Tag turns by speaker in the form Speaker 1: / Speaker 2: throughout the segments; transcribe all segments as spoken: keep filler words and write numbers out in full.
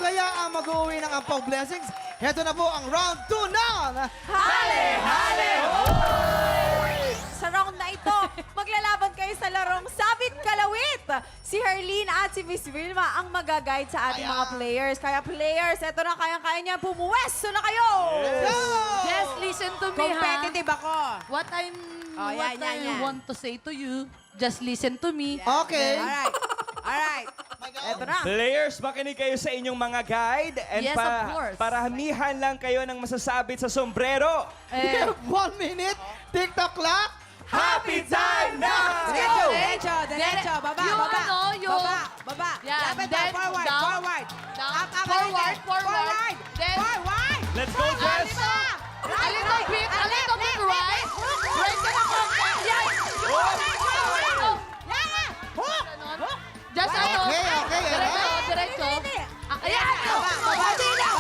Speaker 1: Masaya ang mag-uwi ng Ampaw Blessings. Heto na po ang round two ng
Speaker 2: Hale! Hale! Sa round na ito, maglalaban kayo sa larong Sabit Kalawit. Si Herlene at si Miss Vilma ang mag-guide sa ating mga players. Kaya players, eto na, kayang-kaya niya, pumuwesto na kayo!
Speaker 3: Just listen to me, ha?
Speaker 2: Competitive ako.
Speaker 3: What I'm,
Speaker 2: Oh,
Speaker 3: what
Speaker 2: yan, yan,
Speaker 3: I
Speaker 2: yan.
Speaker 3: want to say to you, just listen to me.
Speaker 1: Okay.
Speaker 2: Alright. Alright. Eto na.
Speaker 4: Players, makinig kayo sa inyong mga guide. And
Speaker 3: Yes, of course.
Speaker 4: paramihan lang kayo ng masasabit sa sombrero.
Speaker 1: We have one minute. TikTok clock.
Speaker 4: Happy time na!
Speaker 2: Diretso, diretso, diretso. Baba,
Speaker 3: Yung
Speaker 2: baba.
Speaker 3: ano, yung-
Speaker 2: Baba, baba.
Speaker 3: Yan,
Speaker 2: Lapit
Speaker 3: then
Speaker 2: na, forward,
Speaker 3: down,
Speaker 2: forward.
Speaker 3: down,
Speaker 2: Up, up,
Speaker 3: forward,
Speaker 2: ulit.
Speaker 3: forward.
Speaker 2: Forward.
Speaker 3: Then-
Speaker 2: Forward.
Speaker 4: Let's go, Jess!
Speaker 3: A little bit, a little bit right. Right ka na konti. Yan.
Speaker 4: Oh!
Speaker 3: Ganon. Just ano.
Speaker 1: Okay, okay,
Speaker 3: Diretso,
Speaker 1: alright.
Speaker 3: diretso. Ah, ayan.
Speaker 2: Baba, baba.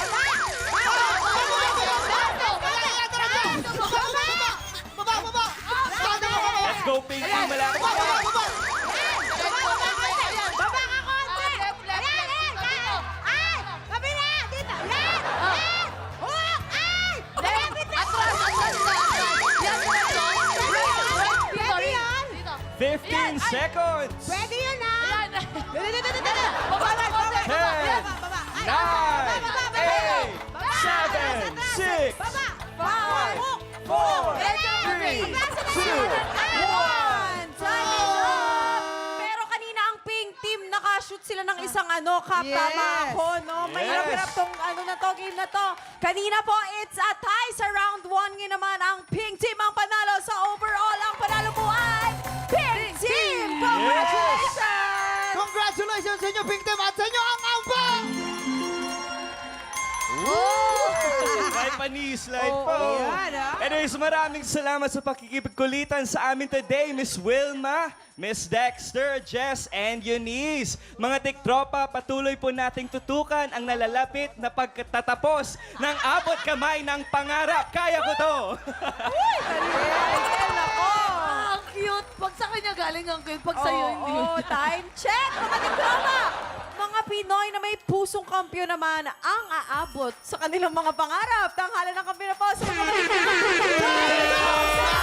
Speaker 1: Baba, baba. Stand up, baba.
Speaker 4: Let's go, Pinky! Malapit
Speaker 1: Baba,
Speaker 4: na!
Speaker 1: baba, baba.
Speaker 3: Diretso, ayan.
Speaker 2: Baba ka konti.
Speaker 3: Ah, left, left,
Speaker 2: Ayan,
Speaker 3: left.
Speaker 2: ayan,
Speaker 3: Dito.
Speaker 2: Ay! Kabila! Dito! Yan!
Speaker 3: Ah.
Speaker 2: Yan! Hook! Ay! Malapit na!
Speaker 3: Atras, atras na, atras. Yan, diretso. Right, dito,
Speaker 2: Pwede yan?
Speaker 3: dito.
Speaker 4: fifteen
Speaker 3: Ayan, ay.
Speaker 4: seconds!
Speaker 2: Pwede yun, ha?
Speaker 3: Ayan.
Speaker 2: Dito, dito, dito, dito.
Speaker 3: Baba,
Speaker 2: Forward,
Speaker 3: baba,
Speaker 2: forward.
Speaker 4: ten,
Speaker 2: Baba, baba. Ay,
Speaker 4: nine,
Speaker 2: baba, baba,
Speaker 4: eight,
Speaker 2: baba.
Speaker 4: seven,
Speaker 2: Atras, atras.
Speaker 4: six,
Speaker 2: Baba.
Speaker 4: five,
Speaker 2: Hook.
Speaker 4: four,
Speaker 2: Three,
Speaker 4: two,
Speaker 2: one. Time is up! Pero kanina ang pink team, nakashoot sila ng isang ano, kap,
Speaker 1: Yes.
Speaker 2: tama ako, no?
Speaker 4: Yes.
Speaker 2: Mahirap-hirap tong ano na to, game na to. Kanina po, it's a tie sa round one. Ngayon naman, ang pink team ang panalo sa overall. Ang panalo po ay pink team! Congratulations!
Speaker 1: Congratulations sa inyo, Pink Team, at sa inyo ang Ampaw!
Speaker 4: May pani-slide
Speaker 2: Oo,
Speaker 4: po.
Speaker 2: yan, ah.
Speaker 4: Anyways, maraming salamat sa pakikipagkulitan sa amin today, Miss Wilma, Miss Dexter, Jess, and Eunice. Mga tiktropa, patuloy po nating tutukan ang nalalapit na pagtatapos ng abot kamay ng pangarap. Kaya ko to!
Speaker 2: Ariel, ako!
Speaker 3: Ah, ang cute. Pag sa kanya galing ang cute, pag sa'yo hindi.
Speaker 2: Oo, time check, mga diploma! Mga Pinoy na may pusong kampyon naman ang aabot sa kanilang mga pangarap. Tanghalan ng kampyon na po sa mga